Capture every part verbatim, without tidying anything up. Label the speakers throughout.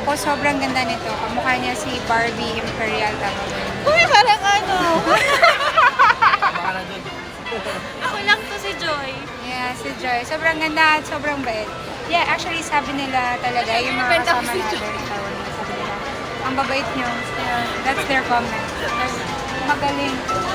Speaker 1: Ako, sobrang ganda nito. Kamukha niya si Barbie Imperial.
Speaker 2: Uy, parang ano.
Speaker 3: Baka na dun.
Speaker 4: Ako lang to si Joy.
Speaker 1: Yeah, si Joy. Sobrang ganda at sobrang bait. Yeah, actually, sabi nila talaga, yung mga
Speaker 4: Benta ko
Speaker 1: kasama
Speaker 4: si
Speaker 1: natin, Taiwanese, sabi nila, ang babait nyo. Yeah, that's their comment. That's magaling.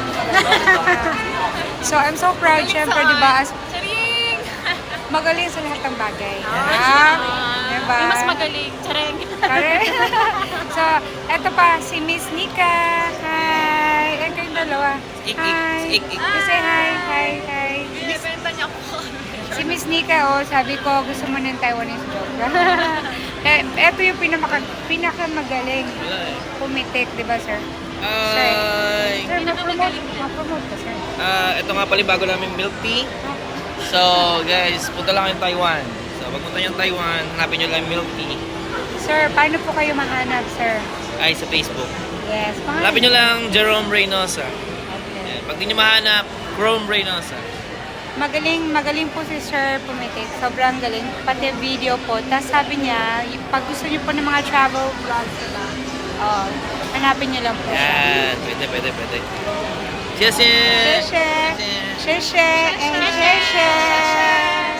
Speaker 1: So, I'm so proud, syempre, di ba, as
Speaker 4: Charing!
Speaker 1: magaling sa lahat ng bagay.
Speaker 4: Ah,
Speaker 1: Ah, diba?
Speaker 4: May mas magaling. Charing.
Speaker 1: Correct. So, eto pa, si Miss Nika. Hi! Ay, kayong dalawa.
Speaker 3: Ik, ik,
Speaker 1: Hi!
Speaker 3: ik, ik.
Speaker 1: You say hi, hi, hi.
Speaker 4: Binibenta niya ako.
Speaker 1: Si Miss Nika, oh, sabi ko, gusto mo ng Taiwanese joke. eh, eto yung pinaka, pinakamagaling
Speaker 3: Wala eh.
Speaker 1: pumitik, di ba, sir?
Speaker 3: Ay,
Speaker 1: Sir, ma-promote, ma-promote ka, sir.
Speaker 3: ah, ito nga pala yung bago namin milk tea. So, guys, punta lang kayong Taiwan. So, pag punta nyo Taiwan, hanapin nyo lang yung milk tea.
Speaker 1: Sir, paano po kayo mahanap, sir?
Speaker 3: Ay, sa Facebook.
Speaker 1: Yes,
Speaker 3: Hanapin nyo lang Jerome Reynosa.
Speaker 1: Okay.
Speaker 3: Ayan. Pag di nyo mahanap, Chrome Reynosa.
Speaker 1: Magaling, magaling po si Sir pumitik. Sobrang galing. Pati video po. Tapos sabi niya, y- pag gusto niyo po ng mga travel vlogs, diba? Oh, hanapin niyo lang po siya.
Speaker 3: Yan, pwede, pwede, pwede. Cheers!
Speaker 1: Sheshe! Sheshe! And sheshe!